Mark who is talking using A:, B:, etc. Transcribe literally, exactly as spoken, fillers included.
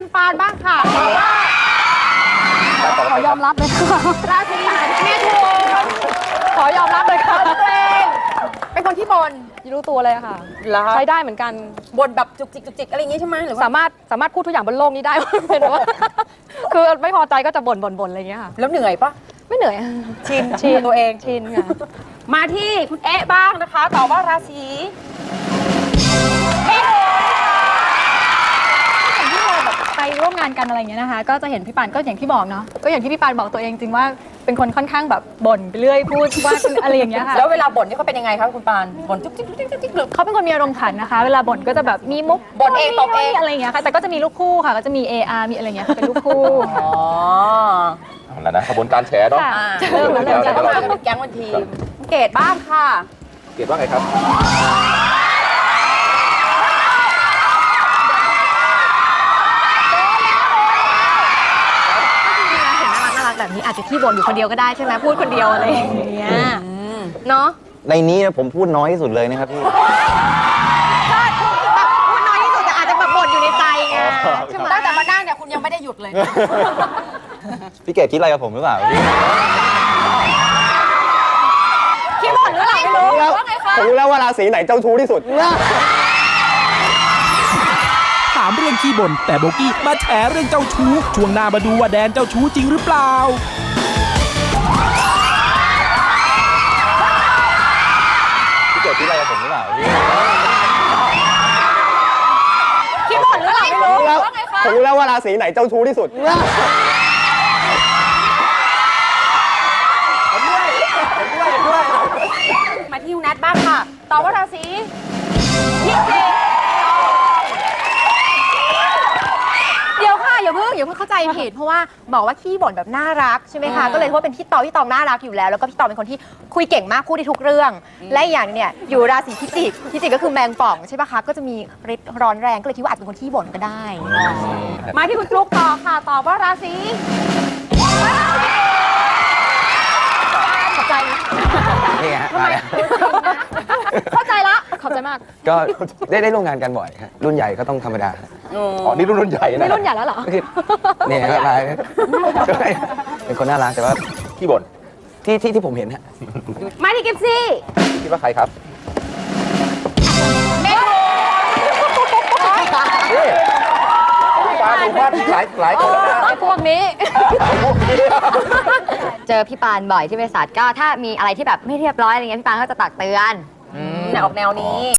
A: คุณปานบ้างค่ะ
B: ขอยอมรับเลยค่ะ
A: ราศีเมถุน
B: ขอยอมรับเลยค่ะ
A: ตัวเองเป็นคนที่บน
B: ไม่รู้ตัวเลยค่ะ
A: เหรอ
B: ใช้ได้เหมือนกัน
A: บนแบบจุกจิกจุกจิกอะไรอย่างงี้ใช่ไหมหรือว่า
B: สามารถสามารถพูดทุกอย่างบนโลกนี้ได้ เป็นว่าคือไม่พอใจก็จะบ่นบ่นบ่นอะไรอย่างเงี้ยค่ะ
A: แล้วเหนื่อยปะ
B: ไม่เหนื่อย
A: ชิน
B: ชิน
A: ตัวเอง
B: ชินค่ะ
A: มาที่คุณเอ๊ะบ้างนะคะตอบว่าราศีเมถุน
C: อย่างที่เราแบบไปร่วมงานกันอะไรอย่างเงี้ยนะคะ ก็จะเห็นพี่ปานก็อย่างที่บอกเนาะก็อย่างที่พี่ปานบอกตัวเองจริงว่าเป็นคนค่อนข้างแบบบ่นไปเรื่อยพูดว่าอะไรอย่างเงี้ยค่ะ
A: แล้วเวลาบ่นนี่เขาเป็นยังไงคะคุณปานบ่นจุกจิกจุกจิกจุกจิกหรือ
C: เขาเป็นคนมีอารมณ์ขันนะคะ เวลาบ่นก็จะแบบมีมุก
A: บ่นเองตบเอง
C: อะไรอย่างเงี้ยค่ะแต่ก็จะมีลูกคู่ค่ะก็จะมี เอ อาร์ มีอะไรอย่างเงี้ยค่ะเป็นลูกคู่
A: อ๋อ
D: เอาละนะขบวนการแฉเนาะ
C: ค่ะ
A: อ่า
D: เริ่มแล้ว
A: เดี๋ยว
D: เดี๋ยว
A: เข้ามา
D: เดี๋ยว
A: เป็นแก๊งวันทีมเกดบ้างค่ะ
D: เกรดว่าไงครับ
C: เห็นน่ารักน่ารักแบบนี้อาจจะขี้บ่นอยู่คนเดียวก็ได้ใช่ไหมพูดคนเดียวอะไรอย่างเงี้ยเนาะ
E: ในนี้นะผมพูดน้อยที่สุดเลยนะครับพี่
C: แบบพูดน้อยที่สุดแต่อาจจะแบบบ่นอยู่ในใจไงใช่ไหม
A: ตั้งแต่มานั่งเนี่ยคุณยังไม่ได้หยุดเลย
E: พี่เกดคิดอะไรกับผมหรือเปล่าพี่
A: คิดบ่นหรืออะไรไม่รู้ว่าไงคะ
E: ผมรู้แล้วว่าราศีไหนเจ้าชู้ที่สุด
F: ถามเรื่องขี้บ่นแต่โบกี้มาแฉเรื่องเจ้าชู้ช่วงหน้ามาดูว่าแดนเจ้าชู้จริงหรือเปล่า
E: พี่เกดคิดอะไรกับผมหรือเปล่าพี่
A: คิดบ่นหรืออะไรไม่รู้ว่าไงคะ
E: ผมรู้แล้วว่าราศีไหนเจ้าชู้ที่สุด
A: มาที่คุณนัทบ้างค่ะตอบว่าราศีพิจิก
C: เดี๋ยวค่ะอย่าเพิ่งอย่าเพิ่งเข้าใจผิดเพราะว่าบอกว่าขี้บ่นแบบน่ารักใช่ไหมคะก็เลยว่าเป็นพี่ตองพี่ตองน่ารักอยู่แล้วแล้วก็พี่ตองเป็นคนที่คุยเก่งมากพูดได้ทุกเรื่อง และอีกอย่างเนี่ยอยู่ราศีพิจิกพิจิกก็คือแมงป่องใช่ปะคะก็จะมีฤทธิ์ร้อนแรงก็เลยคิดว่าอาจเป็นคนขี้บ่นก็ได้
A: มาที่คุณฟลุ๊กต่อค่ะตอบว่าราศี
C: ขอบใจนะ
E: นี่ฮะมาแล้ว
C: เข้าใจละ
B: ขอบใจมาก
E: ก็ได้ได้ร่วมงานกันบ่อยฮะรุ่นใหญ่ก็ต้องธรรมดา
D: อ๋อ นี่รุ่นรุ่นใหญ่นะ
B: ไม่รุ่นใหญ่แล้วเหรอ
E: ก็คือเนี่ยฮะมาเป็นคนน่ารักแต่ว่า
D: ขี้บ่น
E: ที่ที่ที่ผมเห็นฮะ
A: มาที่กิฟซี่
D: คิดว่าใครครับ
A: เมถุน
D: นี่ปาดูว่าหลายหลายคนนะ
B: ไอ้พวกนี้
G: เจอพี่ปานบ่อยที่บริษัทก็ถ้ามีอะไรที่แบบไม่เรียบร้อยอะไรเงี้ยพี่ปานก็จะตักเตือน
A: แนวออกแนวนี้